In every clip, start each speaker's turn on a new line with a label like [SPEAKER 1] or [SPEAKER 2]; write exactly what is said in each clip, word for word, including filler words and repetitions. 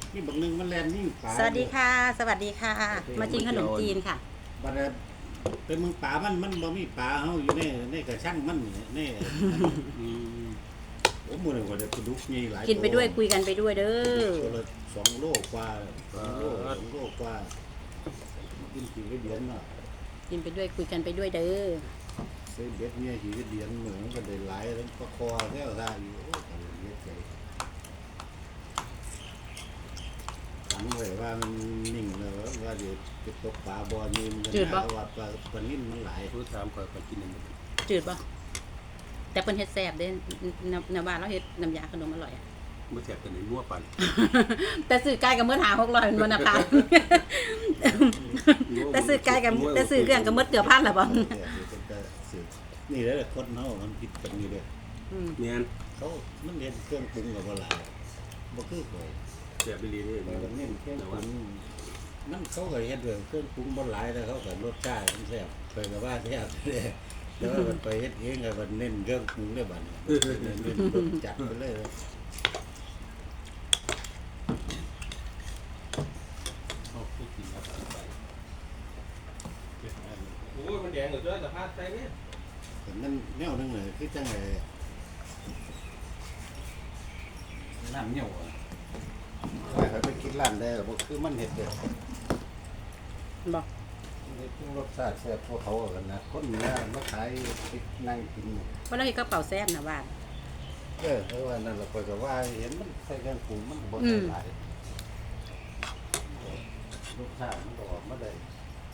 [SPEAKER 1] นี่บักหนึงมันแลนนี่ปลา
[SPEAKER 2] สวัสดีค่ะ สวัสดีค่ะ มากินขนมจีนค่ะ
[SPEAKER 1] บัดนั้นเป็นเมืองป่ามันมันบ่มีปลาเฮาอยู่ในในกระชังมันนี่อืมโอ้มื้อนี้ก็ได้ปลาดุกใหญ่หลาย
[SPEAKER 2] กินไปด้วยคุยกันไปด้วยเด้อ
[SPEAKER 1] ตัวละสองโลกว่าสองโลสองโลกว่ากินกี่เดือนเนาะ
[SPEAKER 2] กินไปด้วยคุยกันไปด้วยเด้อ
[SPEAKER 1] ซื้อเบ็ดเนี่ยกี่เดือนเหมือนก็ได้หลายแล้วก็คอแท้ได้อยู่โอ้ตายเยอะใจตั้งไว้ว่ามันนิ่งเลยว่าเดี๋ยวจะตกปลาบ่อนี่มันจะว่าปลาปลานิ่มมันหลาย
[SPEAKER 3] รู้ถามข่อยข่อยกินนึง
[SPEAKER 2] จืดป่ะแต่เป็นเฮ็ดแซ่บเด้น้ำน้ำบ้านเราเฮ็ดน้ำยาขนมอร่อยอ่ะ
[SPEAKER 3] บ่แซ่บกันในนัวปาน
[SPEAKER 2] แต่ซื้อไก่กับมื้อหาหกร้อยมันนะคะแต่ซื้อไก่กับแต่ซื้อเครื่องกับมื้อเกือบพันละบ่
[SPEAKER 1] นี่แหละคนเฮามันผิดกันนี่เด้อ
[SPEAKER 2] อืม
[SPEAKER 3] แม่น
[SPEAKER 1] เขามันเรียนเครื่องปรุงกับบ่หลายบ่คือข่อย
[SPEAKER 3] แซ่บอีหลีเด้
[SPEAKER 1] ข่อยก็เน้นเครื่องปรุงมันเขาก็เฮ็ดด้วยเครื่องปรุงบ่หลายแต่เขาก็รสชาติมันแซ่บข่อยก็ว่าแซ่บเด้แต่ว่ามันไปเฮ็ดเองก็มันเน้นเครื่องปรุงเด้อบัดนี้เน้นรสจัดไปเลย
[SPEAKER 3] เอาไปกินครับไปโอ้ยมันแดงเหลือเกินสภาพใจเนี่ย
[SPEAKER 1] แต่มันแนวนึงเลยคือจังไงน้ำเหนียวอ่ะว่าเขาไปกินร้านได้บ่คือมันเฮ็ดเด้อ
[SPEAKER 2] บ่
[SPEAKER 1] นี่คือรสชาติแซ่บพวกเขากันนะคนเหนือมาขายไปนั่งกิน
[SPEAKER 2] เพราะเราเฮ็ดกระเป๋าแซ่บนะบ้าน
[SPEAKER 1] เออเพราะว่านั่นเราคอยก็ว่าเห็นมันใส่เครื่องปรุงมันบ่
[SPEAKER 2] อื
[SPEAKER 1] ใส่
[SPEAKER 2] ม
[SPEAKER 1] หลายรสชาติมันก็ออกมาได้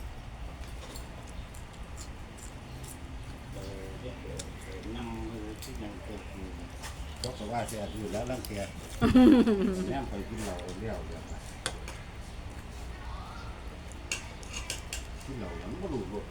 [SPEAKER 1] เออเฮ็ดเออเออนำมือที่ยังเคยกินเขาก็ว่าแซ่บอยู่แล้วลังเกียจแม่ไปกินเหล้าเลี้ยวเลี้ยวมากินเหล้าแล้วมันบ่รู้รส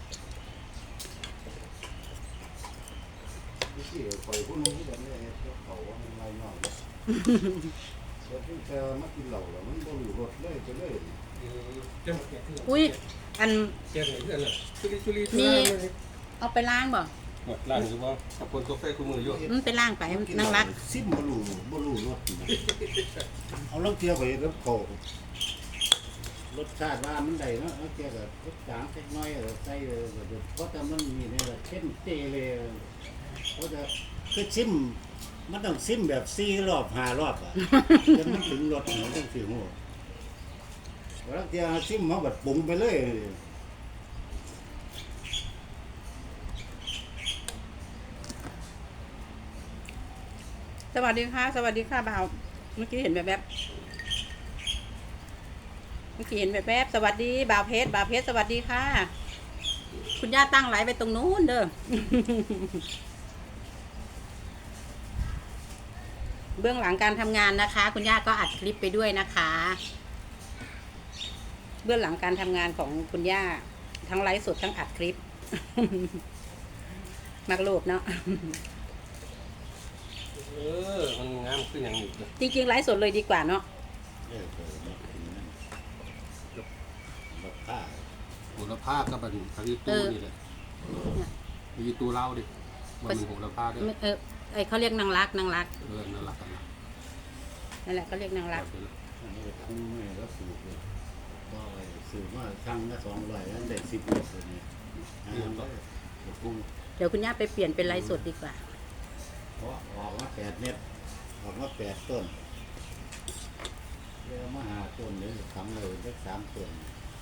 [SPEAKER 1] ที่คอยผู้นู้นที่แบบนี้เขาว่ามันลายน้อยเลยเดี๋ยวที่เธอมากินเหล้าแล้วมันบ่รู้รสเลยไปเลย
[SPEAKER 3] เจ้าแก่ขึ้น
[SPEAKER 2] อุ้ยอัน
[SPEAKER 3] แก่ไหนเพื่อนน่ะชุลีชุลี
[SPEAKER 2] มีเอาไปล้างบ่
[SPEAKER 3] ร้านคือว่ากับคนกาแฟคู่มืออยู่
[SPEAKER 2] มันไปล้างไปนั่งรัก
[SPEAKER 1] ซิมบ่รู้บ่รู้รสเอาลองเที่ยวไปกับเขารสชาติว่ามันได้เนาะเอาเกี่ยวกับรสจางเล็กน้อยใส่เพราะแต่มันมีนี่แหละเข้มเตเลยเขาจะคือซิมมันต้องซิมแบบสี่รอบห้ารอบอ่ะ จนมันถึงรสมันต้องถึงหัวแล้วเที่ยวซิมเขาแบบปรุงไปเลย
[SPEAKER 2] สวัสดีค่ะ สวัสดีค่ะบ่าวเมื่อกี้เห็นแบบแบบเมื่อกี้เห็นแบบแบบสวัสดีบ่าวเพชรบ่าวเพชรสวัสดีค่ะ คุณย่าตั้งไลฟ์ไปตรงนู้นเด้อ เบื้องหลังการทำงานนะคะ คุณย่าก็อัดคลิปไปด้วยนะคะ เบื้องหลังการทำงานของคุณย่าทั้งไลฟ์สดทั้งอัดคลิป มักโลภเนาะ
[SPEAKER 3] เออมันงามขึ้นอย่างนี้
[SPEAKER 2] จริงๆไลฟ์สดเลยดีกว่าเนาะ
[SPEAKER 1] เออเออมากินนั่นแบบผ้า
[SPEAKER 3] โหระพากับมันทางนี้ตู้นี่แหละมีตู้เล่าดิมันมีโหระพาด้วย
[SPEAKER 2] เออไอเขาเรียกนางรักนางรัก
[SPEAKER 3] เออนั่นแหละกันนะ
[SPEAKER 2] นั่นแหละเขาเรียกนางรัก
[SPEAKER 1] อันนี้คุ้มเลยแล้วสูบเลยก็สูบมาครั้งละสองร้อยนั่นได้สิบเมตรเลยเนี่ยอ่าก็คุ้ม
[SPEAKER 2] เดี๋ยวคุณย่าไปเปลี่ยนเป็นไลฟ์สดดีกว่า
[SPEAKER 1] เพราะออกมาแปดเมตรออกมาแปดต้นเดี๋ยวมาหาต้นเลยทำเลยได้สามต้น